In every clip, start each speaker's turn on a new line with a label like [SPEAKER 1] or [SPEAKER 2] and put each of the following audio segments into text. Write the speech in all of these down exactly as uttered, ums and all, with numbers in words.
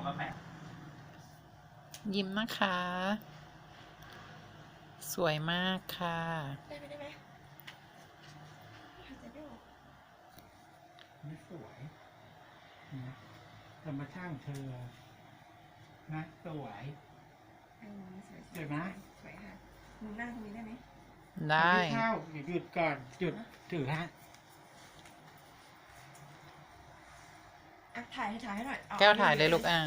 [SPEAKER 1] ยิ้มนะคะ สวยมากค่ะ
[SPEAKER 2] ได้ไหมได้ไหมหายใจไม่ออก
[SPEAKER 3] ไม่สวยนะธรรมชาติเธอนะสวย
[SPEAKER 2] อันนี้สวย
[SPEAKER 3] เดี๋ยวนะ
[SPEAKER 2] สวยค่ะหนูนั่งตรงนี้ได้ไหม
[SPEAKER 1] ได้
[SPEAKER 3] ม่เข้าอย่าหยุดก่อนหยุดถือฮะ
[SPEAKER 2] อ่ะถ่ายให้ถ่ายให้หน่อยเอ
[SPEAKER 1] แก้วถ่ายเลยลูกอ่ะ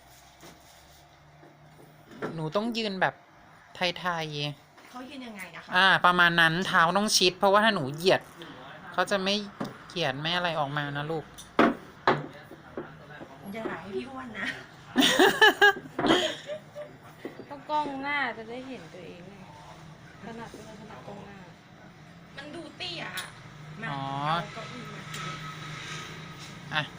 [SPEAKER 1] หนูต้องยืนแบบไทย
[SPEAKER 2] เขายืนยังไงนะคะ
[SPEAKER 1] ๆ อ่า ประมาณนั้นเท้าต้องชิด เพราะว่าถ้าหนูเหยียด เขาจะไม่เหยียดไม่อะไรออกมานะลูก
[SPEAKER 2] อย่าถ่ายให้พี่อ้วนนะ
[SPEAKER 4] ต้องกล้องหน้าจะได้เห็นตัวเองไงถนัดไม่ถนัดกล้องหน้า
[SPEAKER 2] มันดูเตี้ยอะมา
[SPEAKER 1] อ๋อ
[SPEAKER 2] เอาเก้าอี้มาที
[SPEAKER 1] อ่ะ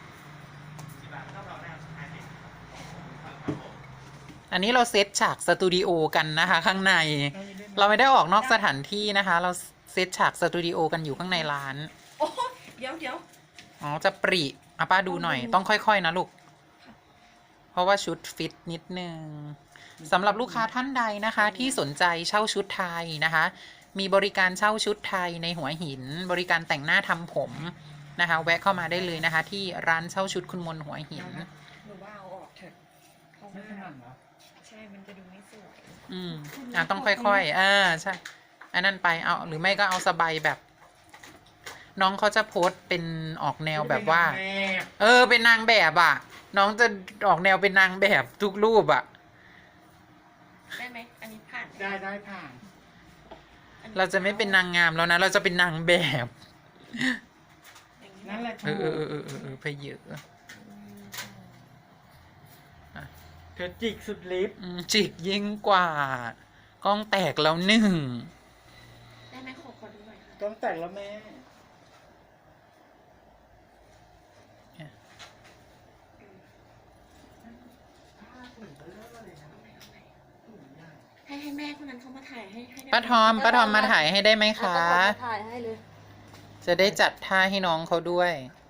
[SPEAKER 1] อันนี้เราเซตฉากสตูดิโอกันนะคะ ข้างใน เราไม่ได้ออกนอกสถานที่นะคะ เราเซตฉากสตูดิโอกันอยู่ข้างในร้าน
[SPEAKER 2] โอ้เดี๋ยวเดี๋ยว
[SPEAKER 1] อ๋อ จะปริอ่ะป้าดูหน่อย ต้องค่อยๆ นะลูก เพราะว่าชุดฟิตนิดนึงสำหรับลูกค้าท่านใดนะคะ ที่สนใจเช่าชุดไทยนะคะ มีบริการเช่าชุดไทยในหัวหิน บริการแต่งหน้าทำผมนะคะ แวะเข้ามาได้เลยนะคะ ที่ร้านเช่าชุดคุณมนหัวหิน
[SPEAKER 2] หนูว่าเอาออกเถอะเพราะ
[SPEAKER 3] ไม่
[SPEAKER 2] ว่า
[SPEAKER 3] ถนัดเหรอ
[SPEAKER 2] ใช่มันจะดูไม่สวย
[SPEAKER 1] อืมอ่ะต้องค่อยๆอ่าใช่อันนั้นไปเอาหรือไม่ก็เอาสบายแบบ น้องเขาจะโพสต์เป็นออกแนวแบบว่า
[SPEAKER 3] แม่
[SPEAKER 1] เออ เป็นนางแบบอ่ะ น้องจะออกแนวเป็นนางแบบทุกรูปอ่ะ
[SPEAKER 2] ได้ไหมอันนี้ผ่านไหม
[SPEAKER 3] ได้ได้ผ่าน
[SPEAKER 2] อันนี้
[SPEAKER 1] เราจะไม่เป็นนางงามแล้วนะ เราจะเป็นนางแบบ
[SPEAKER 2] อย่าง
[SPEAKER 3] นั่นแหละ
[SPEAKER 1] เออเออเออเออเออเออเพเยอะ
[SPEAKER 3] เธอจิกสุดลิฟต์
[SPEAKER 1] อืมจิกยิ่งกว่า กล้องแตกแล้วหนึ่ง
[SPEAKER 2] ได้ไหมขอขอดูหน่อยค่ะ
[SPEAKER 3] ต้องแต่งแล้วแม่
[SPEAKER 2] ให้ให้แม่คนนั้นเขามาถ่ายให้ให้ได้ไห
[SPEAKER 1] ป้าทอม ป้าทอมมาถ่ายให้ได้ไหมคะ
[SPEAKER 4] แล้วก็ขอถ่ายให้เลย
[SPEAKER 1] จะได้จัดท่าให้น้องเขาด้วย
[SPEAKER 2] ไ